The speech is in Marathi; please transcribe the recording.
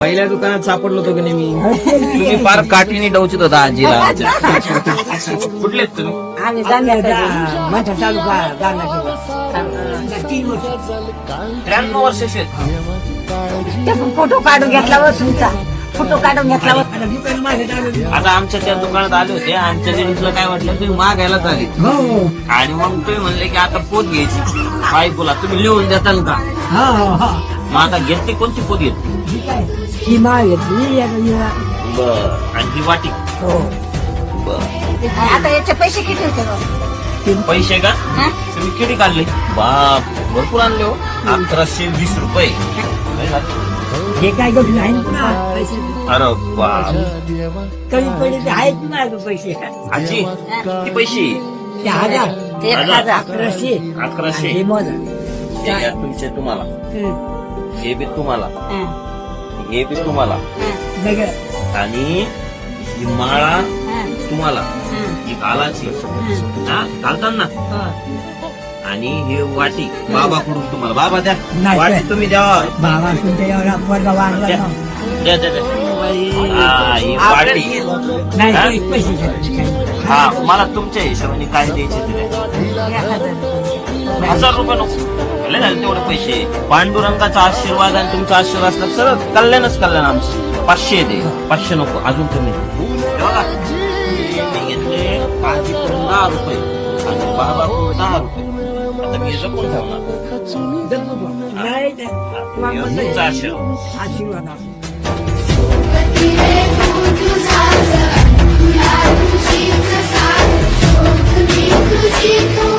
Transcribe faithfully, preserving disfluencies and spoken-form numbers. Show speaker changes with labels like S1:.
S1: पहिल्या दुकानात सापडलो होतो की नाही मी. तुम्ही फार काठीने डवचित होता आजीला. कुठले आहेत तुम्ही?
S2: आम्ही जाणल्या माझ्या तालुका जाणार तीन वर्ष
S1: त्र्याण्णव वर्षाचे आहेत.
S2: ते पण फोटो काढून घेतला व तुमचा फोटो काढून घेतला व
S1: आता आमच्या त्या दुकानात आले होते. आमच्या लेडीजला काय म्हटलं, तुम्ही मागायलाच आले आणि मग तुम्ही म्हणले की आता पोत घ्यायची बायकोला, तुम्ही लिहून देताल का? मग आता घेतली कोणती पोत घेतली?
S2: ही माळ घेतली
S1: बर. आणि ही वाटी? बर.
S2: आता याचे पैसे किती होते?
S1: पैसे का तुम्ही किती काढले? बाप, भरपूर आणले हो. अकराशे वीस रुपये.
S2: हे काय गोष्ट आहे ना
S1: अरे बाप.
S2: कमी पडले आहेत ना पैसे
S1: आजी किती पैसे?
S2: ते हजार ते हजार अकराशे
S1: अकराशे.
S2: हे मोजा.
S1: हे घ्या तुमचे तुम्हाला, हे बी तुम्हाला,
S2: हं.
S1: हे बी तुम्हाला,
S2: वेगळं.
S1: आणि ही माळा
S2: हं.
S1: तुम्हाला,
S2: हं.
S1: ही घालाची
S2: हं.
S1: हा घालतात ना.
S2: हं.
S1: आणि हे वाटी बाबाकडून तुम्हाला. बाबा द्या
S2: नाही,
S1: वाटी,
S2: नाही.
S1: तुम्ही द्या.
S2: बाबा तुमच्या एवढा पोरगा वाढला
S1: द्या
S2: ना.
S1: द्या द्या द्या. हा, ही वाटी.
S2: नाही
S1: हा?
S2: तरी पैसे घ्या.
S1: हा, मला तुमच्या हिशोबाने काय द्यायचे ते द्या. हजार रुपये नको, लय झाले तेवढे पैसे. पांडुरंगाचा आशीर्वाद आणि तुमचा आशीर्वाद असला सरळ कल्याणच कल्याण आमचं. पाचशे दे, पाचशे नको अजून तुम्ही. हे बघा, मी घेतले आजीकडून दहा रुपये आणि बाबाकडून दहा रुपये. आता मी जपून ठेवणार.
S2: नाही नाही.
S1: हे तुमचा आशीर्वाद.
S2: आशीर्वाद असो.
S3: तुझा तुला तुझीच साथ शोध मी तुझी.